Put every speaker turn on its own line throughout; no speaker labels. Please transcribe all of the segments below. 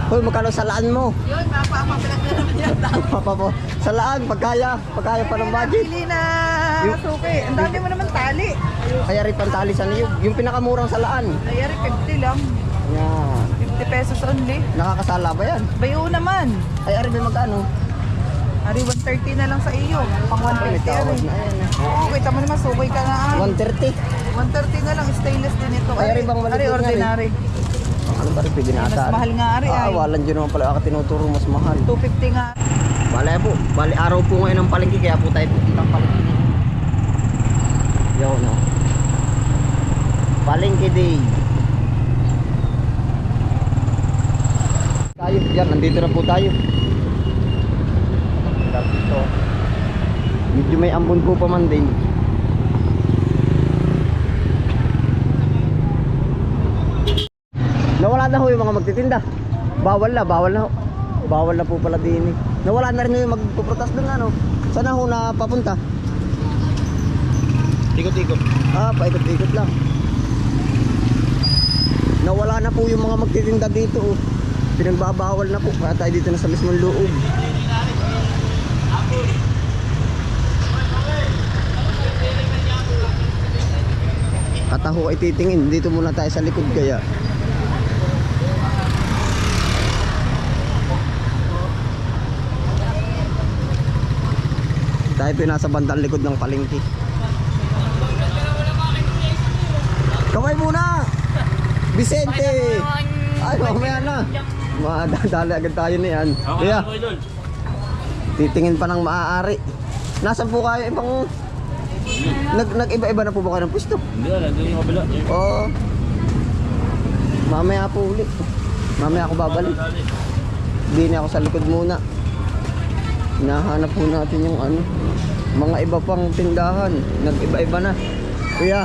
Hoy, magkano salaan mo?
Yun, mapapapalag na naman yan.
Papa po. Salaan, pagkaya pa ng budget.
Pili na suki. Ang dami mo naman tali.
Kaya rin pantali sa niyo. Yung pinakamurang salaan.
Ayari, 50 lang.
Yan.
50 pesos only.
Nakakasala ba yan?
Bayo naman.
Ay, ari may magkano?
Ari, 130 na lang sa iyo. Pang
May
150
tawad
ari.
na yan.
Oo, kita mo naman, suki ka na.
130.
130 na lang, stainless din ito.
Ay, ari, bang
Ari,
maliit nga
ordinary.
Ano ba rin pwede
Mas
nata?
mahal nga ari ay.
Walan dyan naman pala ako tinuturo mas mahal.
250 nga.
Bale po, bali araw po ngayon ng palengke kaya po tayo pupuntang palengke. Yo no. Palengke day. Tayo, yan, nandito na po tayo. Dito. Medyo may ambon po pa man din. Nawala na ho yung mga magtitinda. Bawal na ho. Bawal na po pala din eh. Nawala na rin yung magpuprotas doon ano. Saan na ho na papunta?
Ikot-ikot.
Paikot-ikot lang. Nawala na po yung mga magtitinda dito oh. Pinagbabawal na po. Kaya tayo dito na sa mismong loob. Kataho ay titingin. Dito muna tayo sa likod kaya. Tayo po nasa bandang likod ng palengke. Kamay muna! Vicente! Ay, mamaya na. Madadali agad tayo na yan. Kaya, titingin pa ng maaari. Nasaan po kayo ibang... Nag-iba-iba na po ba kayo ng pwesto?
Hindi, nandun yung kabila.
Oo. Mamaya po ulit. Mamaya ako babalik. Hindi na ako sa likod muna. Hinahanap po natin yung ano, mga iba pang tindahan. Nag-iba-iba na. Kuya.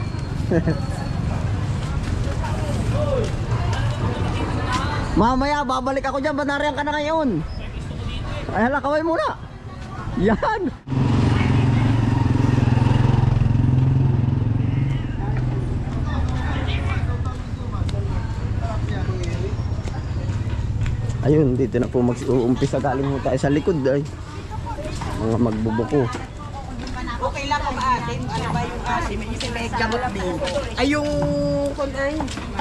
Mamaya babalik ako dyan. Banarihan ka na ngayon. Ay hala, kaway muna. Yan. Ayun, dito na po mag-uumpisa. Galing mo tayo sa likod ay mga magbubuko.
Okay lang ang atin. Ano ba yung asin? May gamot din. Ay yung kunay.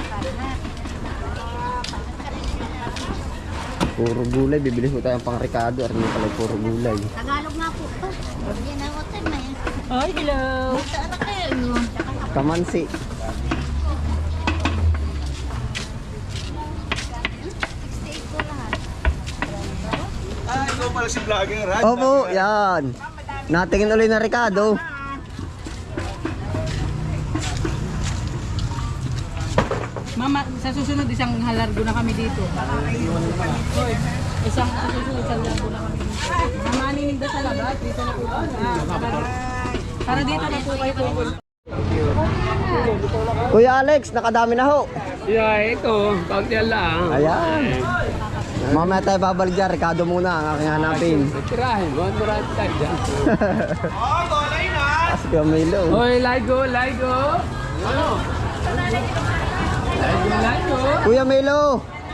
Puro gulay, bibili ko tayong pang Ricardo. Arne pala puro gulay.
Tagalog nga po ito. Yan ang hotel na yan.
Ay, hello.
Saan kayo?
Kamansi.
68 po lahat.
Ikaw pala si vlogger, ha?
Opo, yan. Natingin ulit na Ricardo.
Mama, sa susunod isang halargo na kami dito. Hoy, isang susunod isang halargo na kami dito. Mama, ninigda sa labas. Dito na po. Para dito na po kayo po.
Kuya Alex, nakadami na ho.
Yeah, ito. Kaunti lang.
Ayan. Mamaya tayo babalik dyan. Ricardo muna ang aking hanapin.
Tirahin mo. Tirahin tayo dyan.
As Kuya Milo.
Hoy, Ligo. Ano? Ligo.
Kuya Milo.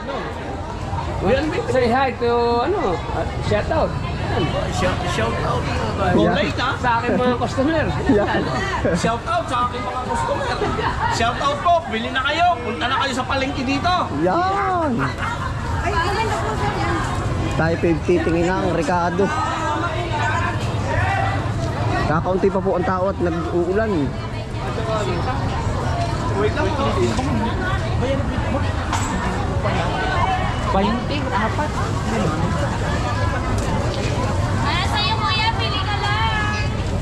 Say hi to, shout out. Shout out.
Kulay
Sa aking mga customer.
Yan.
Shout out sa aking mga customer. Shout out po, bili na kayo. Punta na kayo sa palengke dito.
Yan. Tayo titingin ng Ricardo. Kakaunti pa po ang tao at nag-uulan.
Ah, sa'yo kuya, pili ka lang.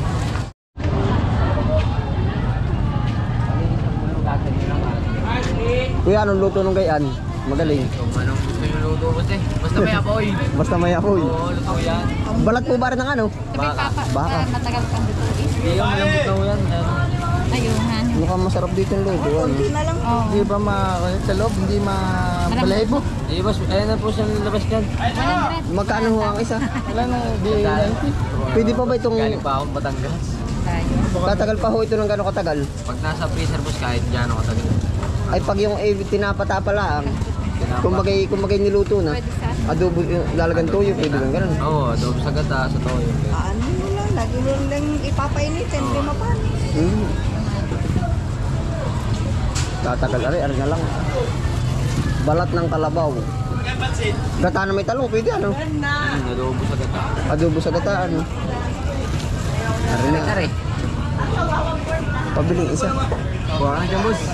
Kuya, anong luto nung gayan? Magaling.
Anong gusto yung luto ko te? Basta may apoy.
Basta may apoy.
Oo, luto yan.
Balat po ba rin ng ano?
Baka.
Baka.
Matagal kang lutuin.
Hindi yung malambot na yan.
Ayun, han.
Mukhang masarap dito yung luto. Ano?
Oo.
Hindi ba sa loob? Hindi mabalahibo?
Di ba, ayun na po siyang labas dyan.
100.
Magkano ho ang isa?
Wala nang di
Pwede pa ba itong...
Galing pa akong Batangas.
Tatagal pa ho ito ng gano'ng katagal?
Pag nasa freezer boss kahit dyan ako tagal.
Ay pag yung tinapata pa lang, Kumbagay niluto na.
Pwede sa
Adobo, lalagan toyo, pwede lang ganun.
Oo, adobo sa gata, sa toyo.
Ano mo lang, lagi mo lang ipapainit, hindi mapanis.
Hmm. Tatagal ari na lang. Balat ng kalabaw. Gata na may talong, pwede ano?
Adobo sa gata.
Adobo sa gata, ano? Ari na.
Ari.
Pabiling isa.
Buwan na dyan, boss.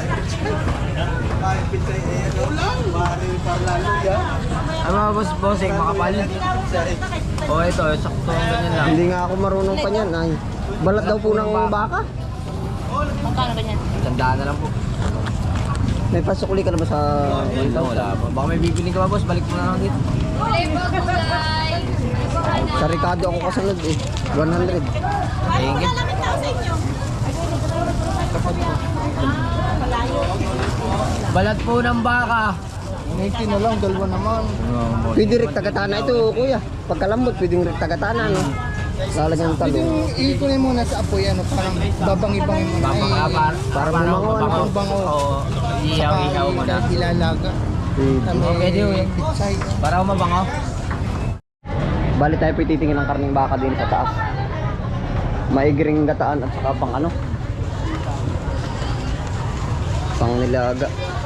Ano mga boss, bossing, makapal? O ito, sakto ang ganyan lang.
Hindi nga ako marunong pa niyan. Ay. Balat daw po ng baka.
Magkano ganyan?
Tandaan na lang po.
May pasukuli ka na ba sa...
Wala pa. Baka may bibili ka ba, boss? Balik mo na lang dito.
Sa Ricardo ako kasunod eh. 100.
Thank you. Balat po ng baka.
90 na lang, dalawa naman. Pwede rin tagatana ito, kuya. Pagkalambot, pwede rin tagatana, no? Lalagyan ng talong.
Ikunin muna sa apoy, ano, parang babang-ibang mo na.
Babang
Para bumango, ano?
Bango.
Oo. Ihaw-ihaw mo na.
Ilalaga.
Pwede.
Pwede yun.
Pitsay.
Para mabango.
Bali tayo po titingin ng karning baka din sa taas. Maigiring gataan at saka pang ano? Pang nilaga.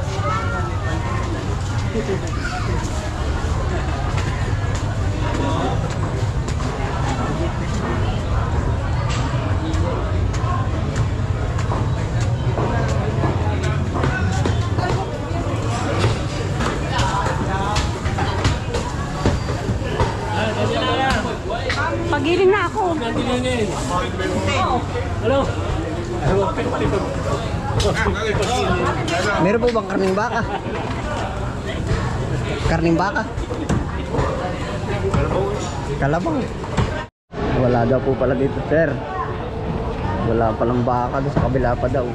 Pagiling na ako.
Meron po bang karning baka? Karning baka? Kalabaw. Wala daw po pala dito, sir. Wala palang baka doon sa kabila pa daw.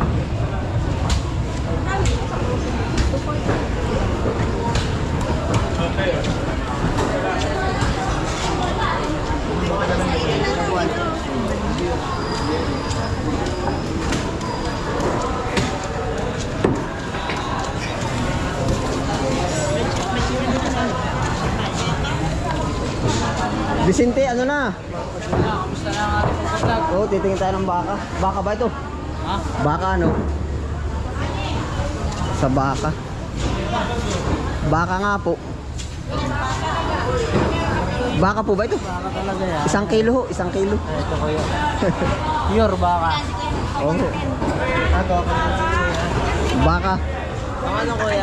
Vicente, ano na?
Kamusta na ang ating pagkakas?
Oo, titingin tayo ng baka. Baka ba ito?
Ha?
Baka ano? Sa baka. Baka nga po. Baka po ba ito?
Baka talaga yan.
1 kilo ho, 1 kilo.
Ito ko yun. Pure baka.
Oo. Baka.
Ang ano kuya?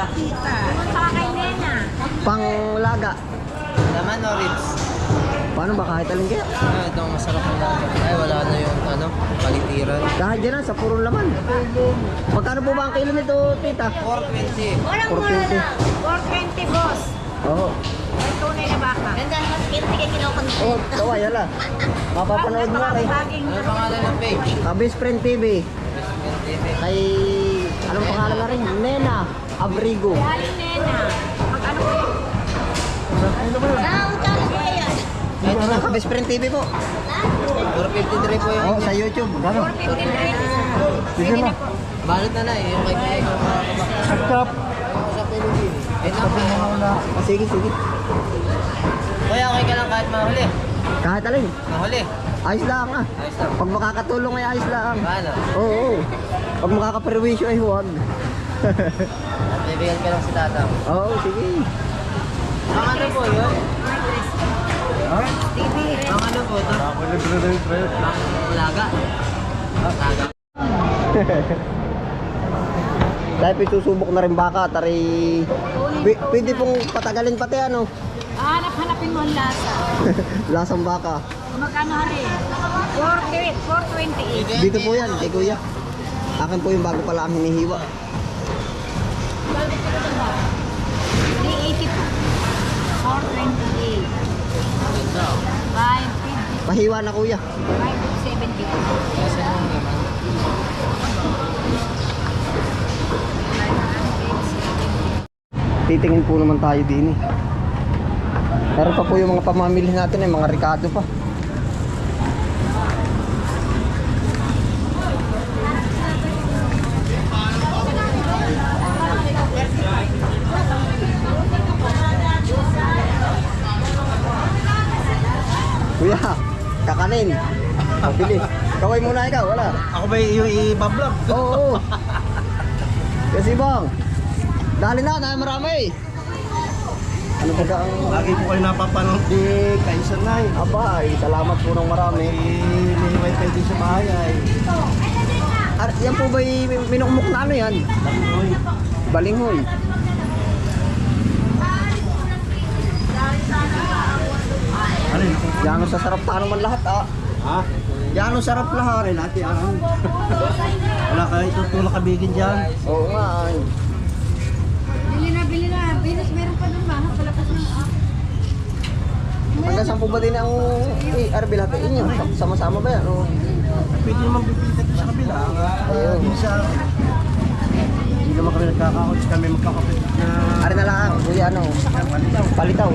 Panglaga.
Laman o ribs?
Paano ba kahit alin kaya?
Ito ang masarap ng laga. Ay, wala na yung ano, palitiran.
Kahit dyan sa purong laman. Magkano po ba ang kilo nito, tita?
420.
Walang
420.
mura na. 420, boss.
Oo.
May tunay na baka.
Ganda naman, hindi kayo kinukontent.
Oh, kaway, hala. Mapapanood mo kay
Ano pangalan ng page?
Best Friend TV. Kay, anong pangalan na rin? Nena Abrigo.
Haling nena. Pag ano ko yun?
Ito na, Best Friend TV po.
453 po yung
Oh, sa YouTube. Gano'n?
453.
Sige na.
balot na eh. Yung kay Kuya ko
Stop.
sa Pilipino. Eh, naku.
Sige, sige.
Kuya, okay ka lang kahit mahuli.
Kahit alin.
Mahuli.
Ayos lang ah.
Ayos lang.
Pag makakatulong ay ayos lang.
Paano?
Oo. Oo. Pag makakaperwisyo ay huwag.
Bibigyan ka lang si tata mo.
Oo, sige.
Ang ano po yun?
Ha?
Ang ano po ito? Ang laga. Laga.
Dahil pisusubok na rin baka, tari... Pwede pong patagalin pati ano.
Hanap-hanapin mo ang lasa.
Lasang baka.
Magkano hari? 428.
Dito po yan, kay kuya. Akin po yung bago pala ang hinihiwa.
380 po. 428. 550.
Pahiwa na kuya.
570.
Titingin po naman tayo din eh. Meron pa po yung mga pamamili natin eh, mga Ricardo pa. Kanin. Pabili. Kaway muna ikaw, wala.
Ako ba yung i-vlog?
Oo. Kasi bang, dali na, tayo marami. Ano ba ang...
Lagi po kayo napapanood di Kaisan na eh.
Aba, salamat po ng marami.
May wifi din sa bahay ay.
Yan po ba minukmuk na ano yan?
Lakoy.
Balinghoy.
Ano yun?
Yan ang sasarap pa naman lahat
Ha?
Yan ang sarap lahat.
Natin ang... Wala kayo tutulak kabigin dyan.
Oo nga.
Bili na. Venus, meron pa doon mahal. Palapas ng
Hanggang saan po ba din ang RB lahat inyo? Sama-sama ba yan? O?
Pwede naman bibili sa kabila.
Ayun.
Sa... Hindi naman kami nagkakakot. Kami magkakapit na...
Ari na lang, kuya ano? Palitaw.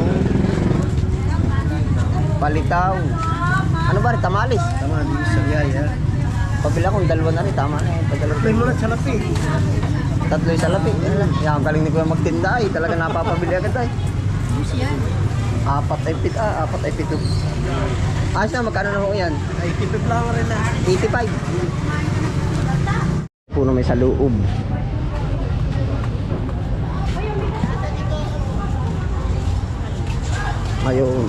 Palitaw. Ano ba rin? Tamalis.
Tama, hindi sa yaya.
Pabila kong dalawa na rin. Tama na yun.
Play mo na sa lapi.
Tatlo yung salapi. Yan, ang galing ni kuya magtinda ay. Talaga napapabili agad ay. Apat ay pito. Ayos na, magkano na ho yan?
Ay, tipid lang rin na.
85. Puno may sa loob. Ayun.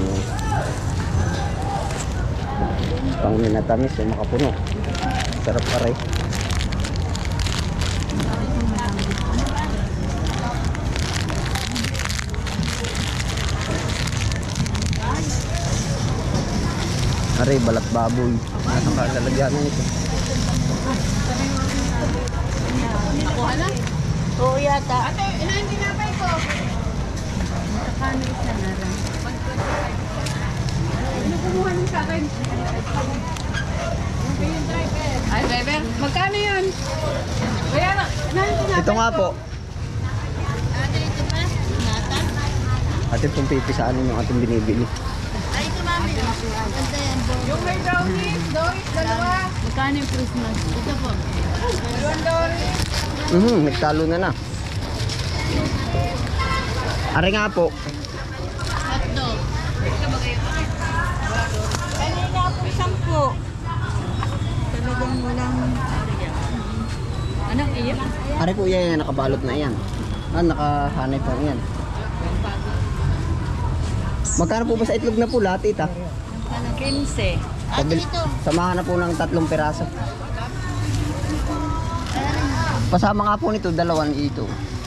Pang minatamis yung makapuno. Sarap aray. Aray, balat baboy. Nasang kalalagyan na ito.
Nakuha na? Oo yata.
Ate, ilan tinapay ko? Kano isa na rin? Ano kumuha ng sa akin? Ay, driver, magkano yun? Kaya na,
Ito nga po.
Ate, ito pa? Nata?
Atin pong pipisaan yung ating binibili.
Ay, ito mami. Ito yan.
yung may brownies, Doris, dalawa.
Magkano yung Christmas? Ito po.
Dalawang Doris.
Nagtalo na na. Ari nga po.
Hotdog.
Kanina po 10. Talagang walang... Anong iyak?
Ari po yan, nakabalot na yan. Nakahanay pa yan. Magkano po ba sa itlog na pula, tita?
15.
Ate, ito.
Samahan na po ng 3 piraso. Pasama nga po nito, 2 ito.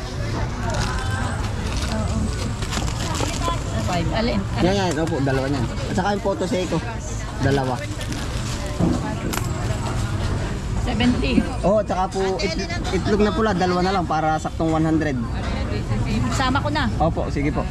5. Alin?
Yan, opo, 2 yan. At saka yung photo seco, 2.
70.
Oo, at saka po itlog na pula, 2 na lang para saktong 100.
Sama ko na.
Opo, sige po.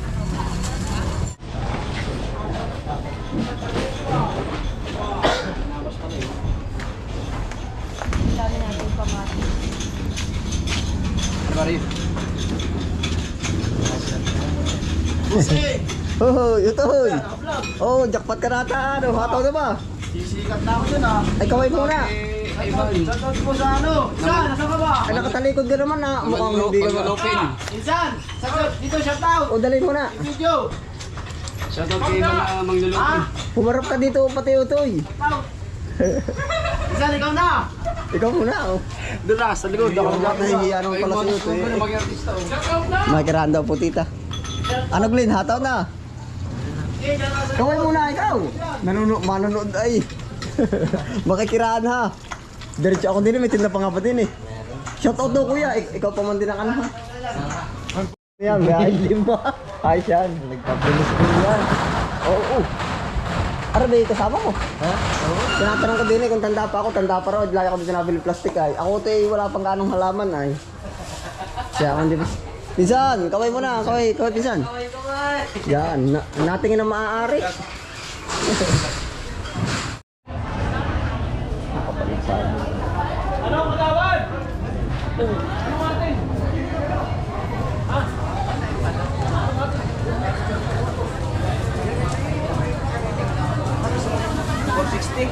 Oh, ito hoy. Oh, jackpot ka nata. Ano, hataw na ba?
Sisikat na ako dyan ah.
Ay, kaway muna.
Shoutout po sa ano? Insan, nasa ka ba?
Ay, nakatalikod ka naman na. Mukhang hindi ka ba?
Insan, sagot. Dito, shoutout.
O, dalhin mo na.
Video.
Shoutout kay mga manglulupin.
Pumarap ka dito, pati utoy.
Insan, ikaw na.
Ikaw muna, oh.
Doon na, sa likod.
Ako lahat nahihiya naman pala sa utoy.
Maging artista.
Makikirahan daw po, tita. Ano, Glenn? Hataw na. Kaway muna, ikaw. Manonood ay. Makikirahan ha. Diretso ako din, may tinda pa nga pa din eh. Shoutout daw kuya, ikaw pa man din ang ano ha. Yan, may lima. Ay siyan, nagpapulis ko yan. Oo. Ara ba yung kasama ko? Ha? Oo. Tinatanong ko din eh kung tanda pa ako, tanda pa raw. Lagi ako din nabili plastic ay. Ako ito eh, wala pang ganong halaman ay. Siya ako hindi pa. Pinsan, kaway mo na, kaway pinsan. Kaway. Yan, natingin na maaari.
Ano, kagawan? Ano natin? Ha? 460?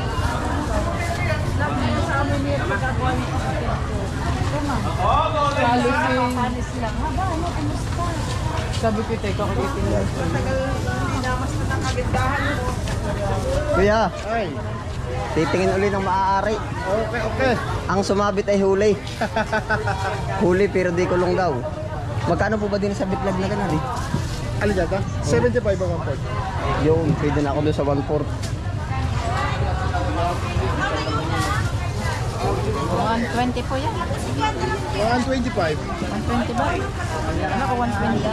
Panis lang. Haba, ano, kumusta? Sabi ko, teka, kakitin lang.
Kuya,
Ay,
titingin uli ng maaari.
okay.
Ang sumabit ay huli. Huli pero di kulong daw. Magkano po ba din sa bitlag na ganun eh?
Alin dyan 75 ang 1 port.
Yun, pwede na ako doon sa 1/4.
120 po yan.
125.
120 ba? Ano ko 120?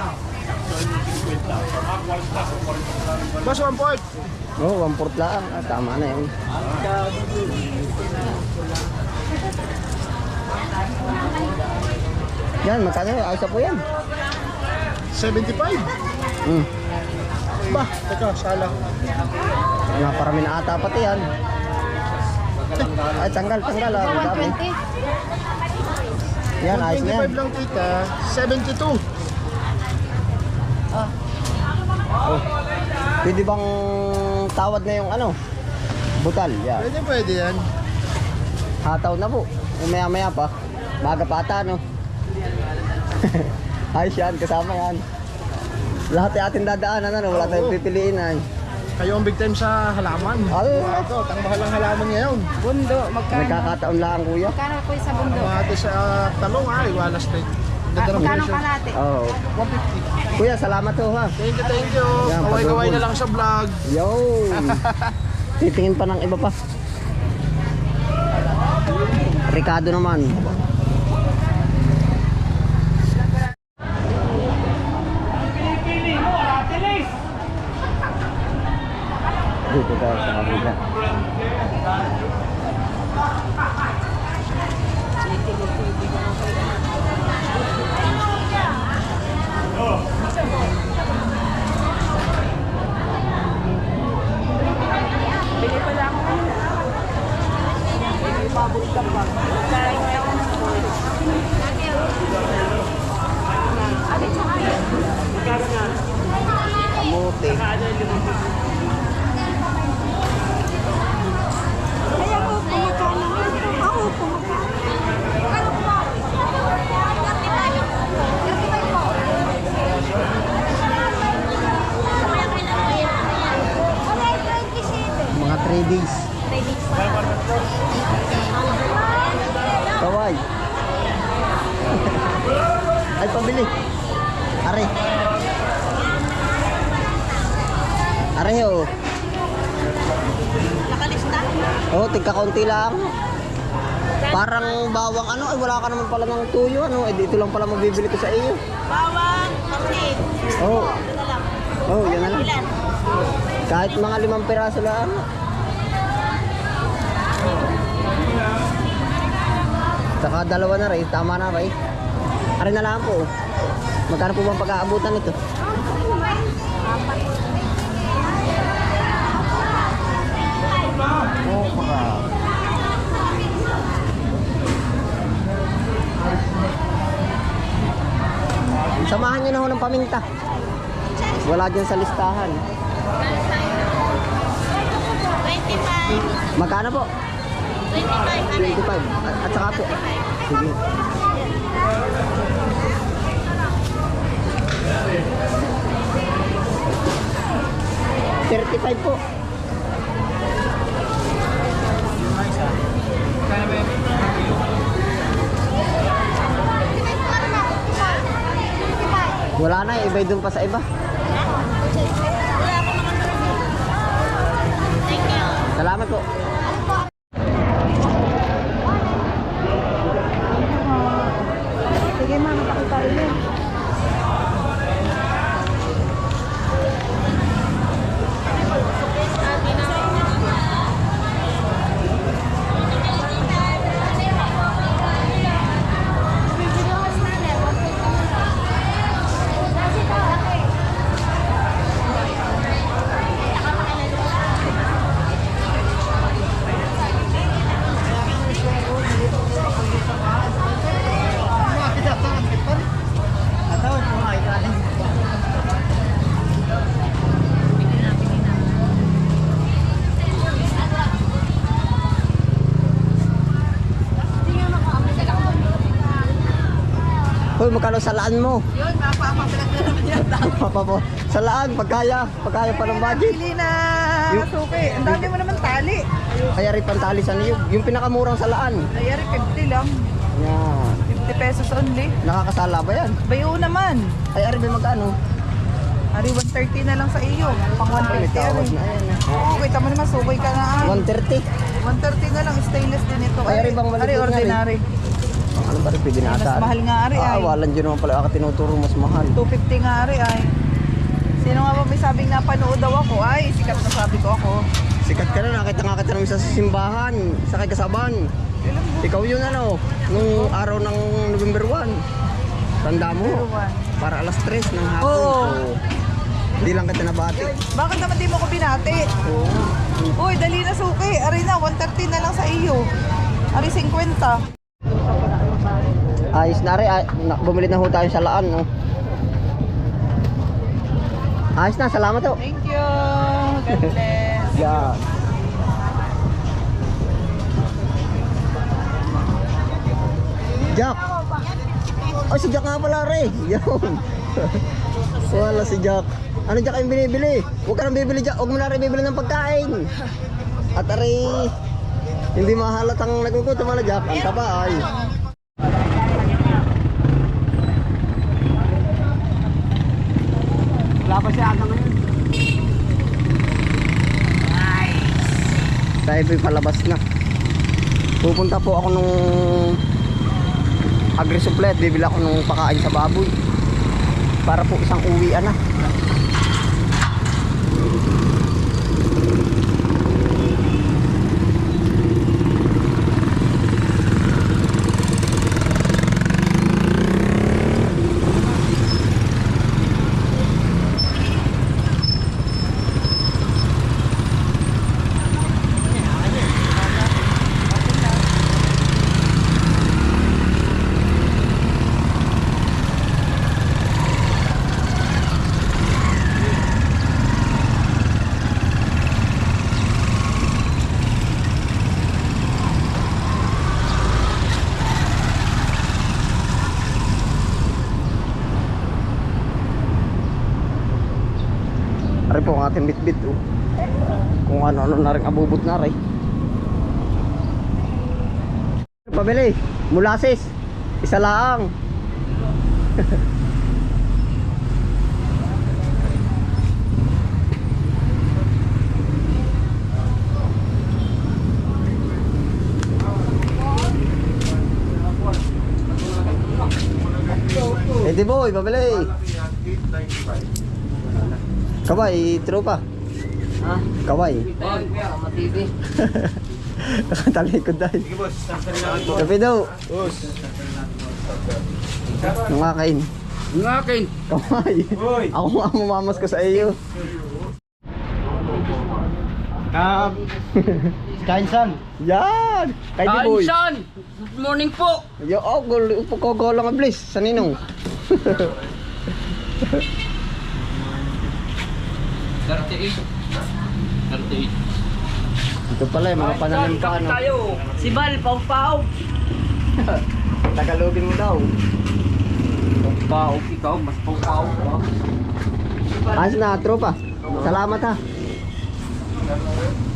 Boss, 1 port.
Oo, 1/4 lang. Ah, tama na yun. Yan, magkano yun? Ayos na po yan.
75.
Hmm.
Ba, teka, sala.
Naparami na ata pati yan. Ay, tanggal. Ah, ang dami.
120.
Yan, ayos na yan.
125 lang tita, 72.
Oh. Pwede bang tawad na yung ano? Butal, yan.
Pwede yan.
Hataw na po. Maya pa. Maga pa ata, no? Ayos yan, kasama yan. Lahat ay ating dadaanan, ano? Wala tayong pipiliin, ay.
Kayo ang big time sa halaman.
Ay.
Ito, tangmahal ang halaman ngayon.
Bundo, magkano?
Nagkakataon lang, kuya.
Magkano po sa bundo?
Mga ate sa talong ay, wala straight. Ganda ng
Magkano
presyo.
kalate?
Oo.
150.
Kuya, salamat ho, ha.
Thank you.
Yan,
Kaway-kaway
pag-robot.
na lang sa vlog.
Yo! Titingin pa ng iba pa. Ricardo naman. Dito tayo sa kabila.
Bili pala ako. May pabot ka pa.
Kamote. Mga 3 days. Kaway. Ay, pabili. Are. Are ho.
Nakalista?
Oh, tigka konti lang. Parang bawang ano, ay wala ka naman pala ng tuyo ano, eh dito lang pala mabibili ko sa iyo.
Bawang, kasi.
Oh.
Ito na lang.
Oh, yan na lang.
Ilan?
Kahit mga 5 piraso lang. Saka 2 na rin, tama na rin. Are na lang po. Magkano po bang pag-aabutan nito? Oh, baka. Samahan nyo na ho ng paminta. Wala dyan sa listahan.
25.
Magkano po?
25.
25. At saka po. Sige. $35 po. Wala na, iba'y dun pa sa iba.
Thank you.
Salamat po.
Sige ma'am, pakita rin. Hoy, magkano salaan mo? Yun, mapapapilak na naman yan.
Papapo. Sa laan, pagkaya pa ng budget.
Pili na suki. Ang dami mo naman tali.
Kaya rin pantali sa niyo. Yung pinakamurang sa laan.
Ay, 50 lang.
Yan.
50 pesos only.
Nakakasala ba yan?
Bayo naman.
Ay, ari ba magkano?
Ari, 130 na lang sa iyo. Pang
May
150
tawad
ari.
na yan.
Oo, kita mo naman, sukay ka na.
130.
130 na lang, stainless din ito.
Ay, ari bang
Ari,
maligid nga
ordinary.
Ano ba rin pwede na
Mas
ata?
mahal nga ari ay.
Walan dyan naman pala ako tinuturo mas mahal.
250 nga ari ay. Sino nga ba may sabing napanood daw ako? Ay, sikat na sabi ko ako.
Sikat ka na, nakita nga kita namin sa simbahan, sa kay Kasaban. Ikaw yun ano, nung araw ng November 1. Tanda mo, para alas 3 ng hapon.
Oo.
So, hindi lang kita nabati.
Bakit naman di mo ko binati?
Oo.
Uy, dali na suki. Ari na, 130 na lang sa iyo. Ari, 50.
Ayos na rin, bumili na ho tayo sa laan. No? Ayos na, salamat ho.
Thank you. God bless.
Yan. Jack! Ay, si Jack nga pala rin. Yun. Wala si Jack. Ano Jack yung binibili? Huwag ka nang bibili Jack. Huwag mo na rin bibili ng pagkain. At aray, hindi mahalatang nagugutom na Jack. Ang taba ay.
Wala pa siya aga ngayon.
Tayo po'y palabas na. Pupunta po ako nung agri-supply. Bibili ako nung pakain sa baboy. Para po isang uwian na. Ari po ang ating bitbit oh. Kung ano-ano na rin abubot na rin. Pabili, mulasis. Isa lang. Edi boy, pabili. Kaway, tropa.
Ha?
Kaway.
Matibay.
Nakatalikod dahil. Kape daw. Nung akin.
Yung akin.
Kaway. Ako nga mamamas ko sa iyo.
Kainsan.
Yan! Kay di boy.
Kainsan! Good morning po!
Yo, oh, upo lang ang bliss. Sa ninong.
38.
Ito pala yung mga pananim ka ano.
Tayo! Si Bal, pau-pau!
Tagalogin mo daw.
Pau, ikaw, mas pau-pau.
Ayos na, tropa. Salamat ha.